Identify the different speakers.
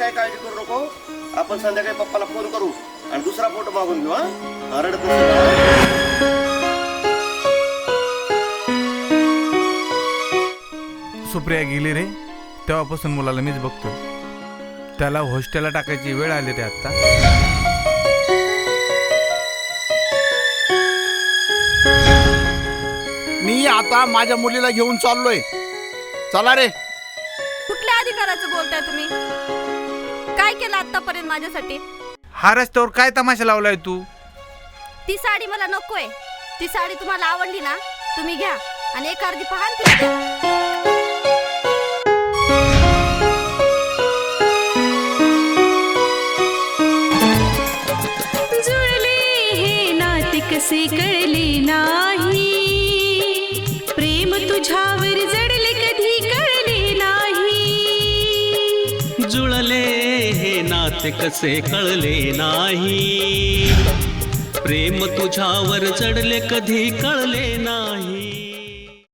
Speaker 1: काय काळजी करू नको. आपण संध्याकाळी पप्पाला फोन करू आणि दुसरा फोटो मागून घेऊ. हा रडत
Speaker 2: सुप्रिया गेली रे तेव्हापासून मुलाला मीच बघतो. त्याला हॉस्टेलला टाकायची वेळ आली रे आता.
Speaker 3: मी आता माझ्या मुलीला घेऊन चाललोय. चला रे.
Speaker 4: कुठल्या अधिकाराचं बोलताय तुम्ही? काय केलं आतापर्यंत माझ्यासाठी?
Speaker 2: हा रस्त्यावर काय तमाशा लावलाय तू?
Speaker 4: ती साडी मला नकोय. ती साडी तुम्हाला आवडली ना, तुम्ही घ्या आणि एक अर्धी पहा आणि तिला द्या.
Speaker 5: कसे कळले नाही, प्रेम तुझ्यावर जडले कधी कळले नाही.
Speaker 6: जुळले हे नाते कसे कळले नाही, प्रेम तुझ्यावर जडले कधी कळले नाही.